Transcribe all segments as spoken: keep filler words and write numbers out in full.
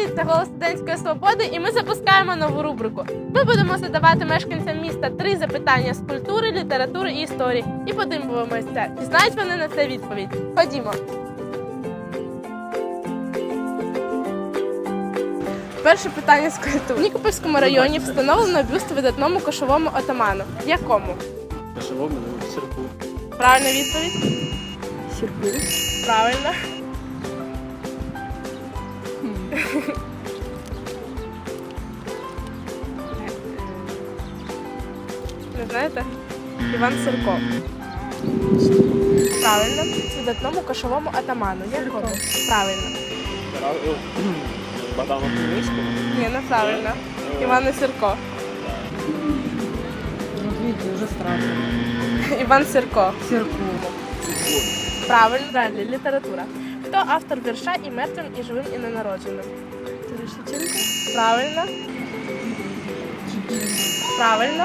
Привіт, це «Голос студентської свободи» і ми запускаємо нову рубрику. Ми будемо задавати мешканцям міста три запитання з культури, літератури і історії. І подивимося, чи знають вони на це відповідь. Ходімо. Перше питання з культури. В Нікопольському районі встановлено бюст видатному кошовому отаману. Якому? Кошовому, ну, Сірку. Правильна відповідь? Сірку. Правильно. Не знаєте? Іван Сірко. Правильно. Видатному кошовому атаману. Якому? Правильно. Богдану Хмельницькому. Ні, неправильно. Іван Сірко. Вот видите, уже страшно. Іван Сірко. Сірку. Правильно. Далі. Література. Хто автор вірша «І мертвим, і живим, і ненародженим»? Терещенко. Правильно. Правильно.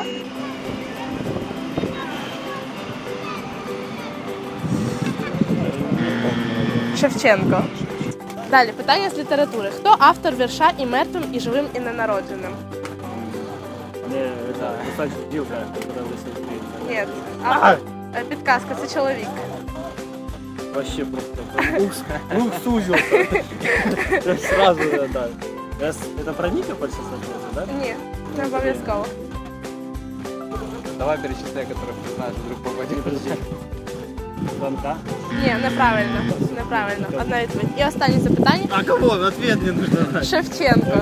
Шевченко. Далі, питання з літератури. Хто автор вірша «І мертвим, і живим, і ненародженим»? Не, это, кстати, Дилка, которая высадит Украину. Ні. Автор. Е, Підказка, це чоловік. Вообще просто. Ух, ух, сузился. Я сразу, да. Я с- Это про Никополь сейчас ответил, да? Ні, не обов'язково. Давай перечисляй, которых ты знаешь, вдруг попадет. Подожди. Звонка. Ні, неправильно. Неправильно. Одна відповідь. І останнє запитання. А кого? Ответ мне нужно знать. Шевченко.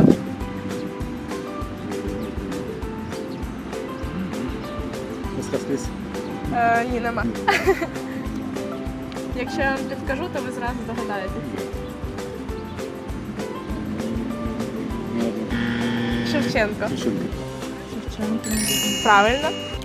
Сходились. Е, ні, нема. Якщо я вам підкажу, то ви зразу догадаєтесь. Шевченко. Шевченко. Правильно.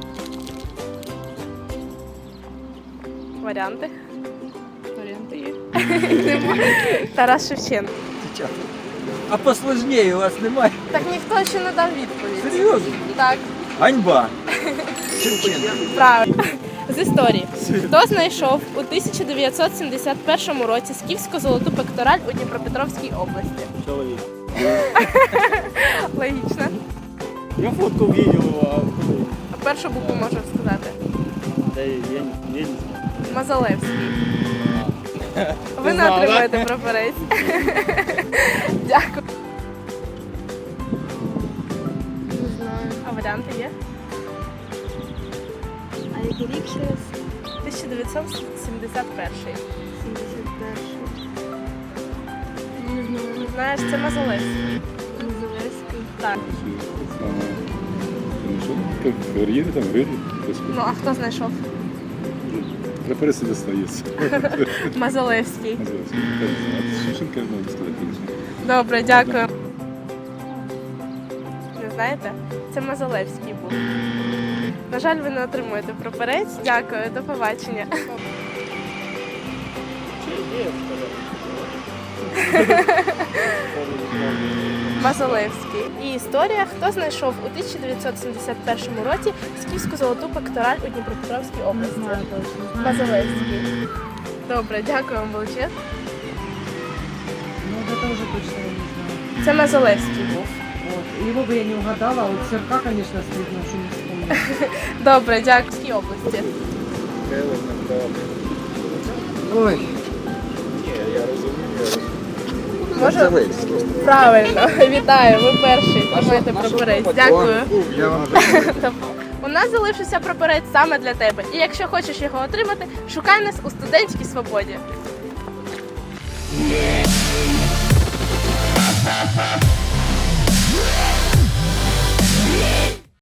Варіанти. Варіанти є. Немає. Тарас Шевченко. А посложнее у вас немає? Так ніхто ще не дав відповідь. Серйозно? Так, Ганьба. Шевченко. правильно. З історії. Хто знайшов у тисяча дев'ятсот сімдесят першому році скіфську золоту пектораль у Дніпропетровській області? Человек. Логічно. Я фотку видел его, А першу букву можу сказати. а да, я, я, не- я не знаю. Мазалевський. Ви Ти не знала, отримаєте прапорець. Дякую. Не знаю. А варіанти є? А який рік ще раз? тисяча дев'ятсот сімдесят перший. сімдесят перший. Не знаю. Знаєш, це Мазалевський. Назовецький. Так. Как карьеры там вряд ли. Ну, а хто знайшов? Прапорець не достається. Мазалевський. Називається. Я не знаю. А Шевченка можна сказати, звісно. Добре, дякую. Не знаєте? Це Мазалевський був. На жаль, ви не отримуєте прапорець. Дякую, до побачення. Мазалевський. І історія. Хто знайшов у тисяча дев'ятсот сімдесят першому році скіфську золоту пектораль у Дніпропетровській Не області? знаю точно. Знаю. Мазалевський. Добре, дякую вам величезно. Ну, вот это уже точно я не знаю. Це Мазалевський був. Вот. Его бы я не угадала, а вот Сірка, конечно, стыдно, что не вспомнила. Добре, дякую. В Київській області. Ой. Може? Правильно, вітаю, ви перший. Тримайте прапорець. Дякую. Я вам У нас залишився прапорець саме для тебе. І якщо хочеш його отримати, шукай нас у студентській свободі.